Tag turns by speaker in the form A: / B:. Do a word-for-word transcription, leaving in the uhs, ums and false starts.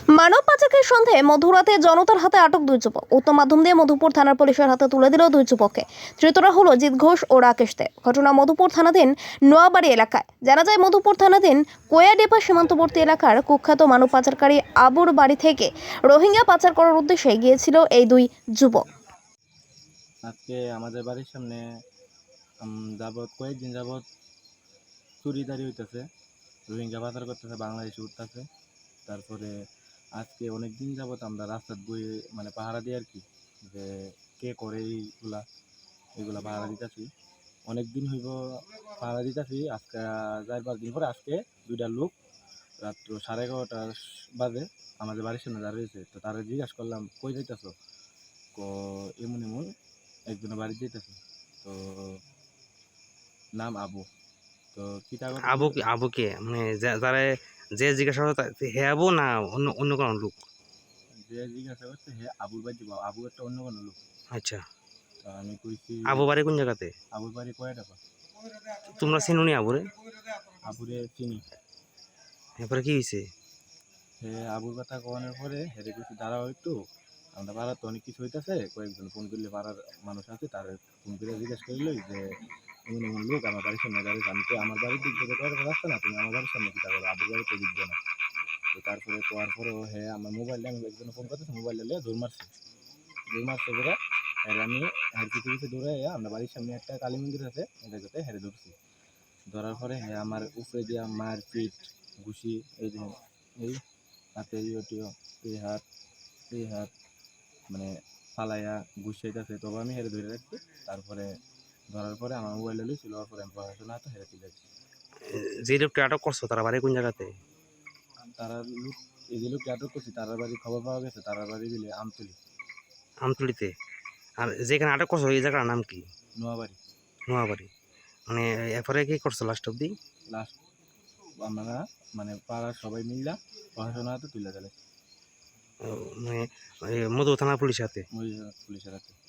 A: মানব পাচারের সন্দেহে মধ্যরাতে জনতার হাতে আটক দুই যুবক। উচ্চ মাধ্যম দিয়ে মধুপুর থানার পুলিশের হাতে তুলে দিল দুই যুবককে। ধৃতরা হলো জিৎ ঘোষ ও রাকেশ দে। ঘটনা মধুপুর থানাধীন নোয়াবাড়ি এলাকায়। জানা যায় মধুপুর থানাধীন কোয়াডেপা সীমান্তবর্তী এলাকার কুখ্যাত মানব পাচারকারী আবুর বাড়ি থেকে রোহিঙ্গা পাচার করার উদ্দেশ্যে গিয়েছিল এই দুই যুবক।
B: আজকে আমাদের বাড়ির সামনে যাবৎ কয়েকদিন যাবৎ চুরিদারি হইতেছে, রোহিঙ্গা পাচার করতেছে, বাংলাদেশে উঠতেছে। তারপরে আজকে অনেক দিন যাবৎ আমরা রাস্তার বইয়ে মানে পাহারা দিই আর কি, যে কে করে এইগুলা এগুলা পাহারা দিতেছি। অনেক দিন হইব পাহারা দিতেছি। আজকে চার পাঁচ দিন পরে আজকে দুইটা লোক রাত্র সাড়ে এগারোটার বাজে আমাদের বাড়ির সামনে দাঁড়িয়েছে। তো তারা জিজ্ঞাসা করলাম, কই যাইতেছ? এমন এমন একজনের বাড়ি যেতেছে। তো নাম আবু। তো কিতা
C: আবু কি আবু কে মানে যারা যে জিজ্ঞাসা করতে হে আবু না অন্য অন্য কোনো লোক?
B: যে জিজ্ঞাসা করছে হে আবুর বাড়ি যাবো, আবু একটা অন্য কোনো লোক।
C: আচ্ছা,
B: তো আমি কইছি
C: আবু বাড়ি কোন জায়গাতে?
B: আবুর বাড়ি কয় টাকা।
C: তোমরা চিনুনি আবুরে?
B: আবুরে চিনি।
C: এরপরে কি হয়েছে?
B: হে আবুর কথা কওয়ানোর পরে হেরে কইছি দাঁড়াও একটু, আমরা পাড়ার তো অনেক কিছু হইতেছে, কয়েকজন ফোন করলে পাড়ার মানুষ আছে, তার ফোন করে জিজ্ঞেস করলো যে এমন এমন লোক আমার বাড়ির সামনে দাঁড়িয়েছে। আমি তো আমার বাড়ির দিক থেকে কয়েক রাস্তা না, তুমি আমার বাড়ির সামনে কিতা করো, আবুর বাড়িতে দিক না। তো তারপরে কোয়ার পরেও হে আমার মোবাইলটা আমি একজন ফোন করতেছি, মোবাইল নিয়ে দৌড় মারছি দৌড় মারছে করে হেরে আমি হের কিছু কিছু দৌড়ে আমরা বাড়ির সামনে একটা কালী মন্দির আছে, এটা যাতে হেরে ধরছি। ধরার পরে হ্যাঁ আমার উপরে দিয়া মার পিঠ ঘুষি, এই যে এই হাতে ইয়েটিও এই হাত এই হাত মানে ফালাইয়া ঘুষাইতেছে। তবে আমি হেরে ধরে রাখছি। তারপরে ধরার পরে আমার মোবাইল লই ছিল, পরে আমি পড়াশোনা হাতে হেরে তুলে যাচ্ছি।
C: যে লোকটা আটক করছো তারা বাড়ি কোন জায়গাতে?
B: তারা লোক এই যে লোককে আটক করছি তার বাড়ি খবর পাওয়া গেছে, তার বাড়ি দিলে আমতলি।
C: আমতলিতে? আর যেখানে আটক করছো এই জায়গার নাম কি?
B: নোয়াবাড়ি।
C: নোয়াবাড়ি। মানে এরপরে কি করছো লাস্ট অব্দি?
B: লাস্ট আমরা মানে পাড়ার সবাই মিললা পড়াশোনা হাতে তুলে গেলে
C: মানে মধু থানা পুলিশ হাতে?
B: পুলিশের হাতে।